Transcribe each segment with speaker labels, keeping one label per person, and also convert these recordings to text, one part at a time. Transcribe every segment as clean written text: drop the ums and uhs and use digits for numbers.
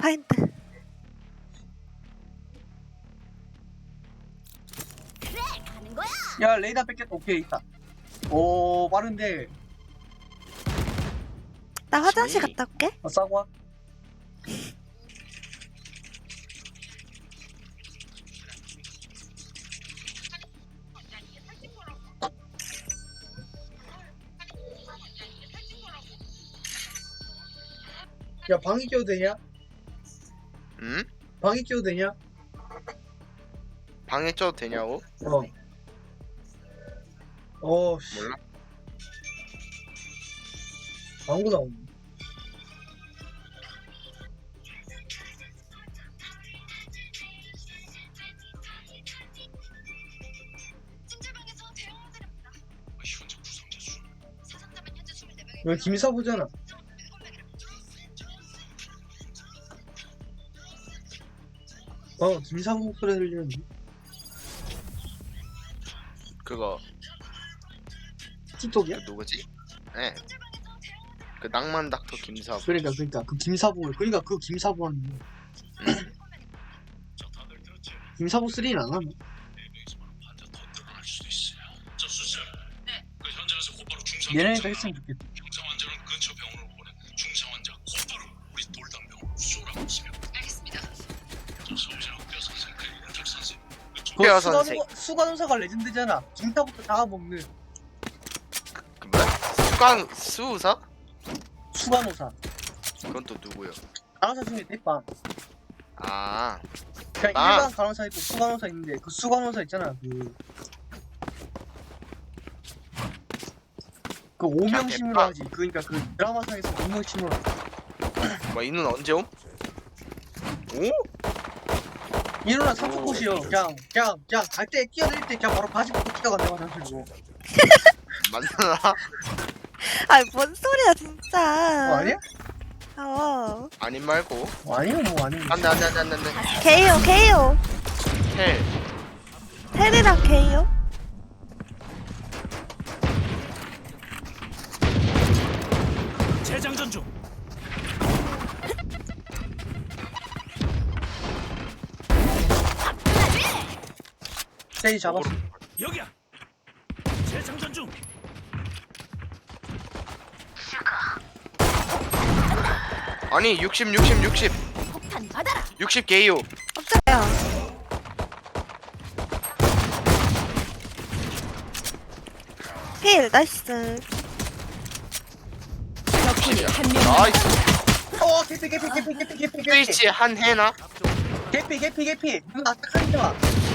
Speaker 1: 파인트.
Speaker 2: 그래 가는 거야.
Speaker 3: 야 레이더 뺏겼다. 오케이 있다. 오 빠른데.
Speaker 1: 나 화장실
Speaker 4: 지미.
Speaker 1: 갔다 올게.
Speaker 3: 싸고 와. 야 방이 껴도 되냐?
Speaker 4: 응?
Speaker 3: 방이 껴도 되냐?
Speaker 4: 방에 쪄도 되냐고?
Speaker 3: 씨.
Speaker 4: 몰라.
Speaker 3: 방구 나오네. 여기 김사부잖아. 김사부 목소리 들리는데.
Speaker 4: 그거
Speaker 3: 틱톡이야?
Speaker 4: 그 누구지? 네. 그 낭만 닥터 김사부.
Speaker 3: 그러니까 그 김사부 그 김사부 하는 거. 김사부 3는 안 하나? 얘네가 했으면 좋겠다.
Speaker 4: 뼈 선생.
Speaker 3: 수간호사가 레전드잖아. 김사부터 잡아먹는
Speaker 4: 그 뭐야? 수강 수의사?
Speaker 3: 수간호사.
Speaker 4: 그건 또 누구요?
Speaker 3: 간호사 중에 대빵.
Speaker 4: 아,
Speaker 3: 그냥
Speaker 4: 아.
Speaker 3: 일반 간호사 있고 수간호사 있는데 그 수간호사 있잖아. 그 오명심으로
Speaker 4: 대빵.
Speaker 3: 하지. 그러니까 그 드라마상에서 오명심으로 하지.
Speaker 4: 뭐 이는 언제 옴? 오?
Speaker 3: 이누나 삼촌꽃이요. 그냥 갈 때 뛰어들 때 그냥 바로 바지 벗고 뛰어간대 화장실로.
Speaker 4: 맞나?
Speaker 1: 아이 뭔 소리야 진짜.
Speaker 3: 아니야?
Speaker 4: 아님 말고.
Speaker 3: 아니면 뭐 아니면.
Speaker 4: 안돼.
Speaker 1: 게이요.
Speaker 4: 텔.
Speaker 1: 테리랑 게이요.
Speaker 5: 재장전 중.
Speaker 3: 세이 잡았어.
Speaker 5: 여기야. 재장전 중.
Speaker 4: 아니 60
Speaker 2: 폭탄 받아라.
Speaker 4: 60 게이오.
Speaker 1: 깜짝이야. 필 나이스.
Speaker 2: 적군이 한명
Speaker 4: 나이스.
Speaker 3: 개피.
Speaker 4: 스위치 한 해나?
Speaker 3: 개피. 누나 딱하니까.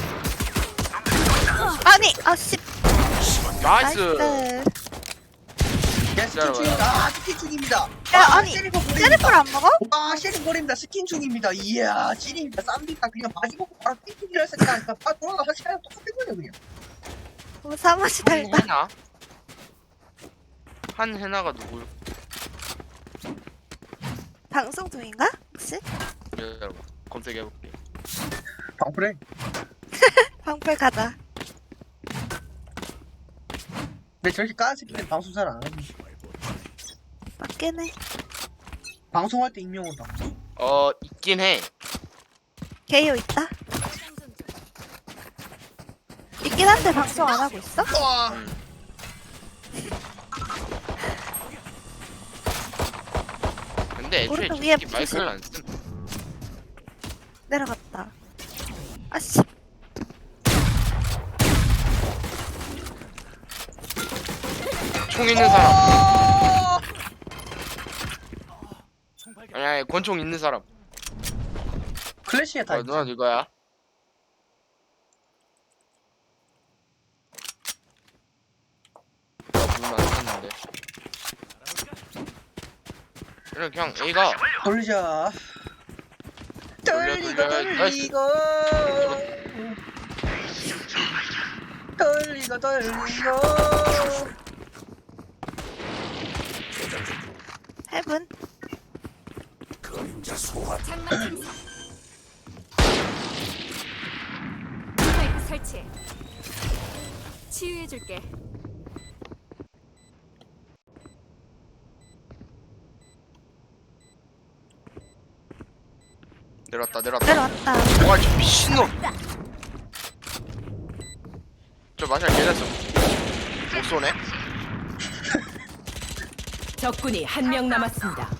Speaker 1: 아니 아씨.
Speaker 4: 나이스.
Speaker 1: 나이스.
Speaker 3: 야 스킨 중입니다. 스킨 중입니다.
Speaker 1: 야 아니
Speaker 3: 셰리프
Speaker 1: 셰리프를 안 먹어?
Speaker 3: 셰리프 버립니다. 스킨 중입니다. 이야 찐입니다. 쌈비다 그냥 바지 벗고 바로 띵띵이라 했으니까 돌아가 하시랑 똑같은 거냐 그냥.
Speaker 1: 사무실
Speaker 4: 한
Speaker 1: 달다.
Speaker 4: 해나? 한 해나가 누구?
Speaker 1: 방송 중인가? 혹시?
Speaker 4: 여러분 검색해볼게.
Speaker 3: 방풀해.
Speaker 1: 방풀 가자.
Speaker 3: 근데 저렇게 까는 새끼는 방송 잘 안 하지.
Speaker 1: 맞긴 해.
Speaker 3: 방송할 때 익명으로 나.
Speaker 4: 있긴 해.
Speaker 1: 게이요 있다. 있긴 한데 방송 안 하고 있어?
Speaker 4: 근데 애초에
Speaker 1: 오른쪽 위에
Speaker 4: 솔직히 마이크를 안 쓴.
Speaker 1: 내려갔다. 아씨.
Speaker 4: 총 있는 사람. 아니 권총 있는 사람.
Speaker 3: 클래시에 다 있지.
Speaker 4: 누나 이거야? 누나 안 샀는데. 그냥 A가
Speaker 3: 돌리자.
Speaker 4: 돌려.
Speaker 3: 돌리고.
Speaker 1: 헤븐.
Speaker 2: 장난 스파이크 설치. 치유해줄게.
Speaker 4: 내려왔다 내려왔다.
Speaker 1: 내려왔다.
Speaker 4: 와 저 미친놈. 저 마샬 개잘써. 못 쏘네.
Speaker 2: 적군이 한 명 남았습니다.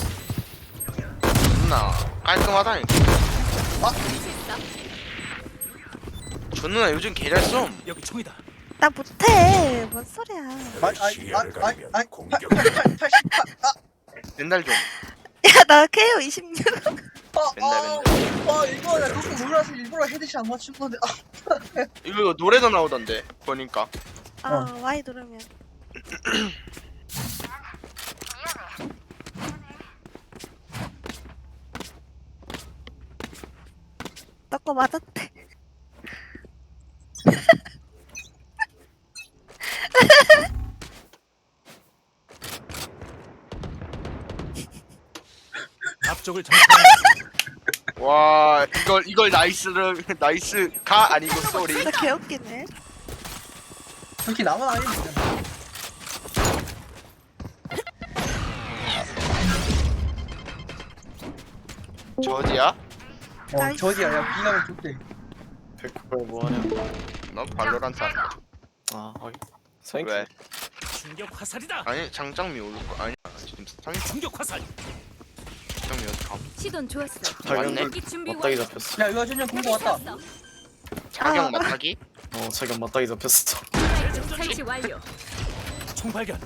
Speaker 4: 존나 깔끔하다니까. 저 누나 요즘 개잘 쏨.
Speaker 5: 여기 총이다.
Speaker 1: 나 못해. 뭔 소리야.
Speaker 4: 맨날 좀.
Speaker 1: 야, 나 KO 26.
Speaker 4: 맨날.
Speaker 3: 이거 나 너무 놀라서 일부러 헤드샷 안 맞춘 건데.
Speaker 4: 이거 노래도 나오던데 보니까.
Speaker 1: Y 누르면. 너 거 맞았대.
Speaker 5: 앞쪽을 정찰한다.
Speaker 4: 와 이걸 나이스를 나이스가 아니고 쏘리.
Speaker 1: 진짜 개웃기네.
Speaker 3: 그렇게 나만 아니면 되잖아.
Speaker 4: 저지야?
Speaker 1: 나이스.
Speaker 3: 저기야, 야, 비나면 좋대.
Speaker 6: 백발 뭐하냐?
Speaker 4: 넌 발로란트 한다.
Speaker 6: 아, 확인. 사인큐.
Speaker 4: 왜?
Speaker 5: 충격 화살이다.
Speaker 4: 아니 장장미 오를 거 아니야. 지금 3일
Speaker 5: 충격 화살.
Speaker 4: 장장미 어디 감?
Speaker 2: 시돈 좋았어.
Speaker 6: 발견
Speaker 2: 이 준비
Speaker 6: 맞다기
Speaker 2: 완료.
Speaker 6: 잡혔어.
Speaker 3: 야, 이거 전년 공고 왔다.
Speaker 4: 자경 맞다기?
Speaker 6: 자기 맞다기 잡혔어.
Speaker 2: 스파이크 설치 완료.
Speaker 5: 총 발견.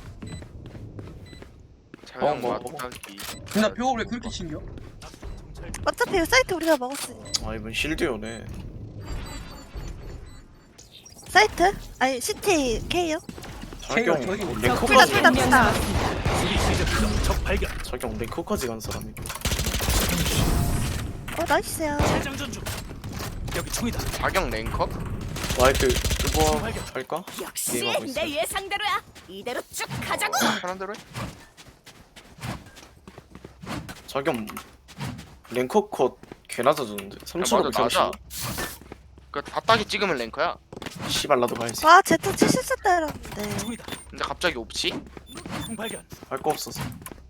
Speaker 4: 자경
Speaker 6: 뭐.
Speaker 4: 맞다기.
Speaker 3: 누나 벽을 왜 그렇게 챙겨?
Speaker 1: 어차피 이 사이트 우리가 먹었으니.
Speaker 6: 아, 이번 실드요네.
Speaker 1: 사이트? 아니, CT KO?
Speaker 6: 자경
Speaker 3: 저기
Speaker 2: 적군이
Speaker 6: 랭커까지
Speaker 1: 둘다
Speaker 2: 한 명
Speaker 1: 둘다.
Speaker 2: 남았습니다.
Speaker 5: 수리 시작. 적 발견.
Speaker 6: 자경 랭커까지 간 사람이.
Speaker 1: 나이스야.
Speaker 5: 재장전 중. 여기 총이다.
Speaker 4: 자경 랭커?
Speaker 6: 와이드 이거 할까?
Speaker 2: 역시
Speaker 6: 게임하고 있어.
Speaker 2: 내 예상대로야. 이대로 쭉 가자고.
Speaker 4: 편한 대로 해.
Speaker 6: 자경 랭커 컷 개나 져줬는데.
Speaker 4: 야,
Speaker 6: 3,530.
Speaker 4: 맞아. 그 바닥에 찍으면 랭커야.
Speaker 6: 씨발 나도 가야지.
Speaker 1: 와, 제트 70세 때렸는데.
Speaker 5: 총이다.
Speaker 4: 근데 갑자기 없지?
Speaker 5: 총 발견.
Speaker 6: 할 거 없어서.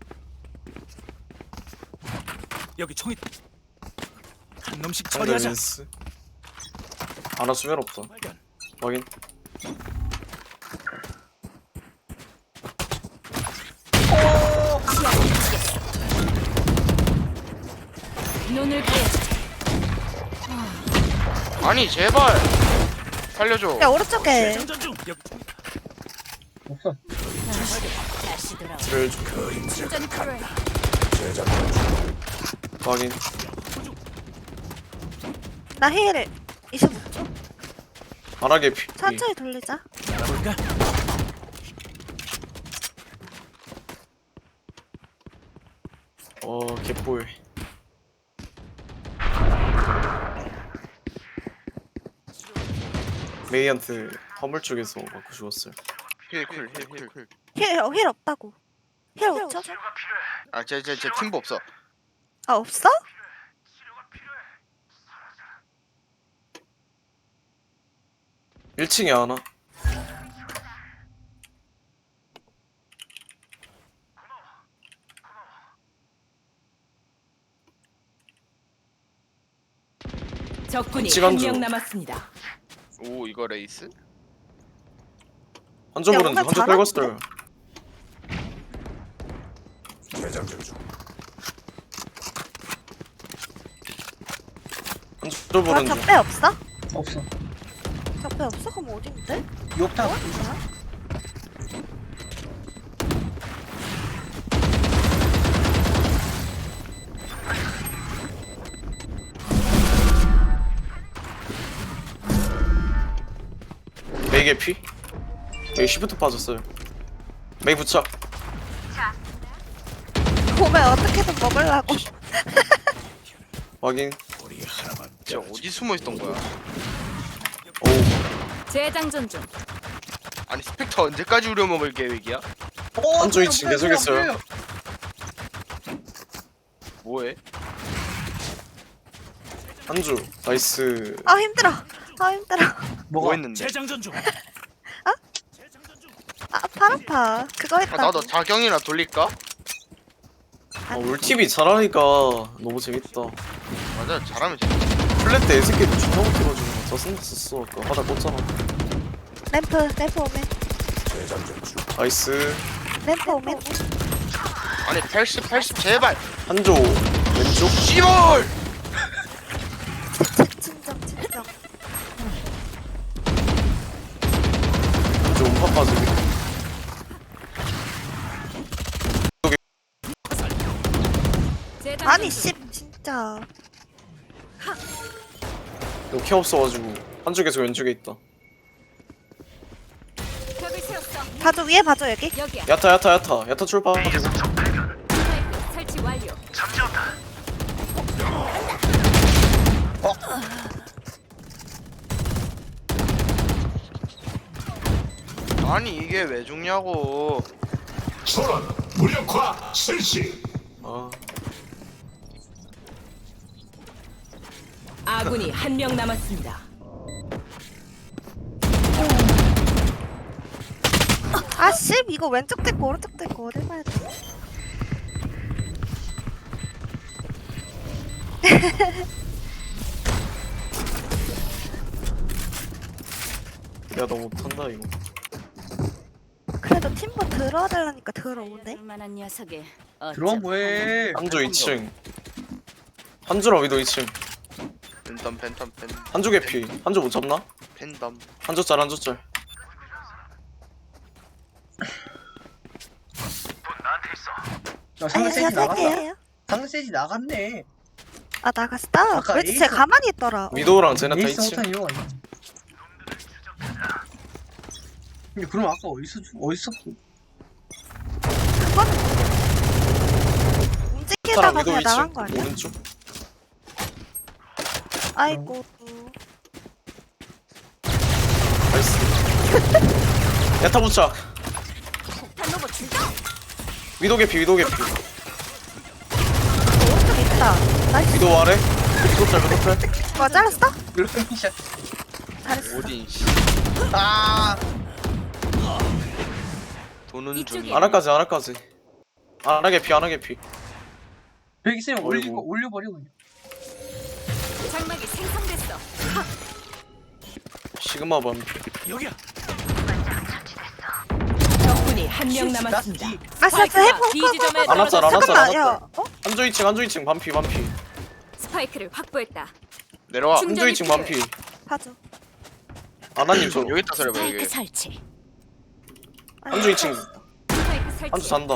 Speaker 5: 여기 총이다. 한 놈씩
Speaker 6: 상대
Speaker 5: 처리하자.
Speaker 6: 린스. 하나 수면 없어.
Speaker 5: 발견.
Speaker 6: 확인.
Speaker 2: 눈을 가야지.
Speaker 4: 아니 제발 살려줘.
Speaker 1: 야, 오른쪽에.
Speaker 5: 재장전 중. 여기 총이다.
Speaker 3: 없어.
Speaker 2: 다시 돌아와.
Speaker 6: 드릴 좀.
Speaker 2: 충전 필요해.
Speaker 6: 확인.
Speaker 1: 나 힐 25초.
Speaker 6: 바닥에 피.
Speaker 1: 천천히 돌리자.
Speaker 5: 알아볼까?
Speaker 6: 개뿔. 메이한테 화물 쪽에서 맞고 죽었어요.
Speaker 4: 힐.
Speaker 1: 힐 없다고. 힐 5초?
Speaker 4: 아제 팀보 없어.
Speaker 1: 아, 없어?
Speaker 6: 일 1층에 하나.
Speaker 2: 적군이
Speaker 6: 시간
Speaker 2: 한
Speaker 6: 줘.
Speaker 2: 명 남았습니다.
Speaker 4: 오 이거 레이스?
Speaker 6: 한쪽
Speaker 1: 야,
Speaker 6: 오른쪽,
Speaker 1: 뭔가
Speaker 6: 한쪽
Speaker 1: 잘하는데?
Speaker 6: 빨갔어요. 한쪽
Speaker 1: 나
Speaker 6: 오른쪽.
Speaker 1: 적배 없어?
Speaker 3: 없어.
Speaker 1: 적배 없어? 그럼 어딘데?
Speaker 3: 욕탕.
Speaker 6: 메이 개피? 메이 시프트 빠졌어요. 메이 부착.
Speaker 1: 보면 어떻게든 먹으려고.
Speaker 6: 확인.
Speaker 5: 우리 하나만.
Speaker 4: 진짜 어디 숨어 있던 거야?
Speaker 6: 오.
Speaker 2: 재장전 중.
Speaker 4: 아니 스펙터 언제까지 우려먹을 계획이야?
Speaker 6: 한쪽 2층 계속했어요.
Speaker 4: 뭐해?
Speaker 6: 한주. 나이스.
Speaker 1: 아, 힘들어. 아, 힘들어.
Speaker 4: 뭐 했는데?
Speaker 5: 재장전 중.
Speaker 1: 아, 팔 아파. 그거 했다.
Speaker 4: 나도 자경이나 돌릴까?
Speaker 6: 어, 울티비 잘하니까 너무 재밌다.
Speaker 4: 맞아, 잘하면 재밌어.
Speaker 6: 플랫 때 애새끼도 존나 못해가지고 짜증났었어. 아까 바닥 꽂잖아.
Speaker 1: 램프 오면.
Speaker 6: 나이스.
Speaker 1: 램프 오면.
Speaker 4: 아니 80 제발.
Speaker 6: 한조 왼쪽.
Speaker 4: 씨발.
Speaker 1: 진정.
Speaker 6: 한조 음파 빠지기.
Speaker 1: 아니 씨 진짜.
Speaker 6: 이거 케 없어가지고 한조 계속 왼쪽에 있다.
Speaker 2: 벽을 세웠어.
Speaker 1: 봐줘 위에 봐줘 여기.
Speaker 2: 여기야.
Speaker 6: 야타 출발.
Speaker 2: 스파이크 설치 완료.
Speaker 4: 아니 이게 왜 죽냐고.
Speaker 5: 소란 무력화 실시.
Speaker 6: 아
Speaker 2: 아군이 한 명 남았습니다.
Speaker 1: 아씨 이거 왼쪽 됐고 오른쪽 됐고 어딜 봐야 돼?
Speaker 6: 야 너 못한다 이거.
Speaker 1: 그래도 팀버 들어와 달라니까 들어오네.
Speaker 2: 만한 녀석이
Speaker 3: 들어와 뭐해?
Speaker 6: 한조 2층. 한조랑 위도 2층.
Speaker 4: 팬덤.
Speaker 6: 한조 개피. 한조 못 잡나?
Speaker 4: 팬덤.
Speaker 6: 한조짤.
Speaker 3: 야, 상대
Speaker 1: 아니
Speaker 3: 세지
Speaker 1: 제가
Speaker 3: 나갔다.
Speaker 1: 살게요.
Speaker 3: 상대 세지 나갔네.
Speaker 1: 아 나갔어?
Speaker 3: 아까
Speaker 1: 그렇지
Speaker 3: 에이스-
Speaker 1: 쟤 가만히 있더라.
Speaker 6: 위도우랑 제나타
Speaker 3: 에이스
Speaker 6: 2층.
Speaker 3: 못한 이유가 있네. 근데 그럼 아까 어디서
Speaker 1: 그건 움직이다가
Speaker 6: 위도
Speaker 1: 그냥 나간
Speaker 6: 2층.
Speaker 1: 거 아니야?
Speaker 6: 오른쪽.
Speaker 1: 아이고.
Speaker 6: 나이스. 야타 부착.
Speaker 2: 폭탄 로봇 출동.
Speaker 6: 위도 개피.
Speaker 1: 오른쪽 있다. 나이스.
Speaker 6: 위도 아래. 위도 짤.
Speaker 1: 뭐 잘랐어?
Speaker 3: 르미샷.
Speaker 1: 잘했어.
Speaker 4: 오딘 씨. 아. 도는
Speaker 2: 이쪽에.
Speaker 4: 중이.
Speaker 6: 아나까지. 아나 개피.
Speaker 3: 여기 있으면
Speaker 6: 어이구.
Speaker 3: 올려버려 그냥.
Speaker 2: 장막이 생성됐어.
Speaker 6: 시그마 밤.
Speaker 5: 여기야.
Speaker 2: 적군이 한 명 남았습니다.
Speaker 1: 아싸
Speaker 2: 스파이크가
Speaker 1: 해보.
Speaker 2: B 지점에
Speaker 6: 안 왔잖아, 안 왔잖아.
Speaker 1: 잠깐만 야. 어?
Speaker 6: 한조 2층 반피.
Speaker 2: 스파이크를 확보했다.
Speaker 4: 내려와.
Speaker 2: 중-
Speaker 6: 한조 2층 반피.
Speaker 1: 봐줘.
Speaker 6: 아나님 저.
Speaker 4: 여기 있다 소리 봐
Speaker 2: 스파이크
Speaker 4: 여기.
Speaker 2: 설치.
Speaker 6: 한조 2층.
Speaker 2: 스파이크 설치.
Speaker 6: 한조 잔다.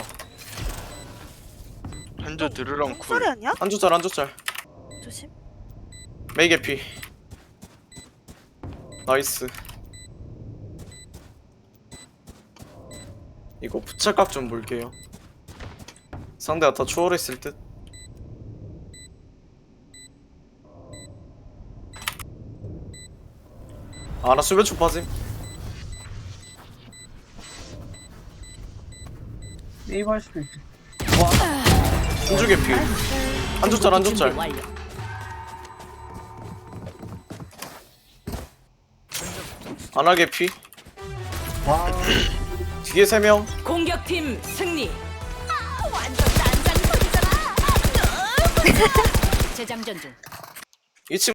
Speaker 4: 한조 드르렁
Speaker 1: 소리
Speaker 4: 쿨.
Speaker 1: 아니야?
Speaker 6: 한조 짤.
Speaker 1: 조심.
Speaker 6: 메이 개피. 나이스. 이거 부착각 좀 볼게요. 상대가 다 추월했을 듯. 아나 수배초 빠짐.
Speaker 3: 네이버 할 수도 있지.
Speaker 6: 한조 개피. 한조 짤.
Speaker 2: 준비 완료.
Speaker 6: 아나 개피.
Speaker 3: 와.
Speaker 6: 뒤에 3명.
Speaker 2: 공격팀 승리. 완전 딴딴 소리잖아. 재장전 중.
Speaker 6: 2층